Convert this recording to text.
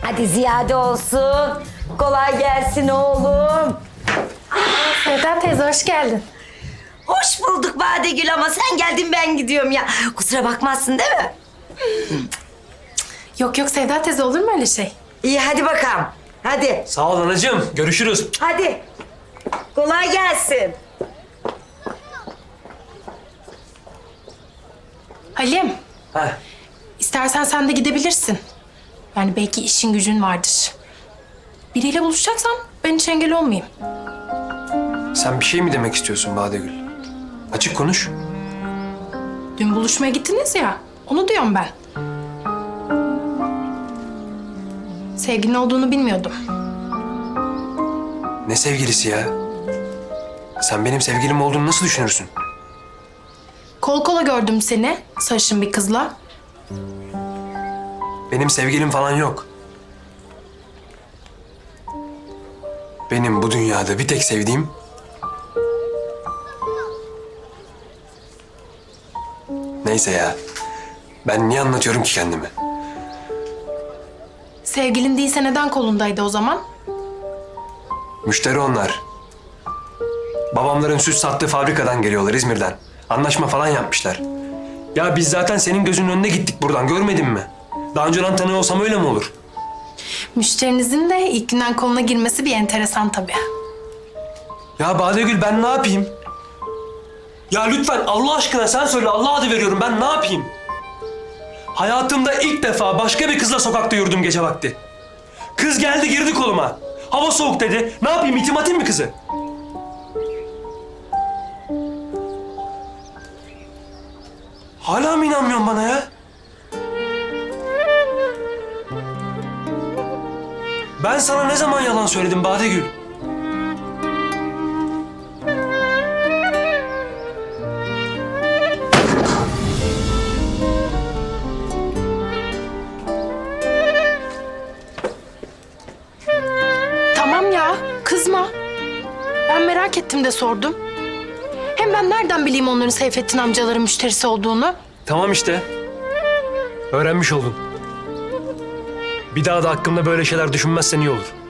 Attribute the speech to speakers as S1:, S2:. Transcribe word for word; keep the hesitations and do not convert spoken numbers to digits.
S1: Hadi ziyade olsun. Kolay gelsin oğlum.
S2: Sevda teyze hoş geldin.
S1: Hoş bulduk Badegül ama sen geldin ben gidiyorum ya. Kusura bakmazsın değil mi?
S2: Yok yok Sevda teyze olur mu öyle şey?
S1: İyi hadi bakalım. Hadi.
S3: Sağ ol anacığım. Görüşürüz.
S1: Hadi. Kolay gelsin.
S2: Halim,
S3: Heh.
S2: istersen sen de gidebilirsin. Yani belki işin gücün vardır. Biriyle buluşacaksan ben hiç engel olmayayım.
S3: Sen bir şey mi demek istiyorsun Badegül? Açık konuş.
S2: Dün buluşmaya gittiniz ya, onu diyorum ben. Sevgilin olduğunu bilmiyordum.
S3: Ne sevgilisi ya? Sen benim sevgilim olduğunu nasıl düşünürsün?
S2: Kol kola gördüm seni, sarışın bir kızla.
S3: Benim sevgilim falan yok. Benim bu dünyada bir tek sevdiğim... Neyse ya. Ben niye anlatıyorum ki kendimi?
S2: Sevgilin değilse neden kolundaydı o zaman?
S3: Müşteri onlar. Babamların süt sattığı fabrikadan geliyorlar İzmir'den. Anlaşma falan yapmışlar. Ya biz zaten senin gözünün önüne gittik buradan, görmedin mi? Daha önceden tanıyor olsam öyle mi olur?
S2: Müşterinizin de ilk günden koluna girmesi bir enteresan tabii.
S3: Ya Badegül ben ne yapayım? Ya lütfen Allah aşkına sen söyle, Allah adı veriyorum, ben ne yapayım? Hayatımda ilk defa başka bir kızla sokakta yürüdüm gece vakti. Kız geldi girdi koluma. Hava soğuk dedi. Ne yapayım, itim atayım mı kızı? Hala mı inanmıyorsun bana ya? Ben sana ne zaman yalan söyledim Badegül?
S2: Tamam ya, kızma. Ben merak ettim de sordum. Hem ben nereden bileyim onların Seyfettin amcaların müşterisi olduğunu?
S3: Tamam işte. Öğrenmiş oldun. Bir daha da hakkımda böyle şeyler düşünmezsen iyi olur.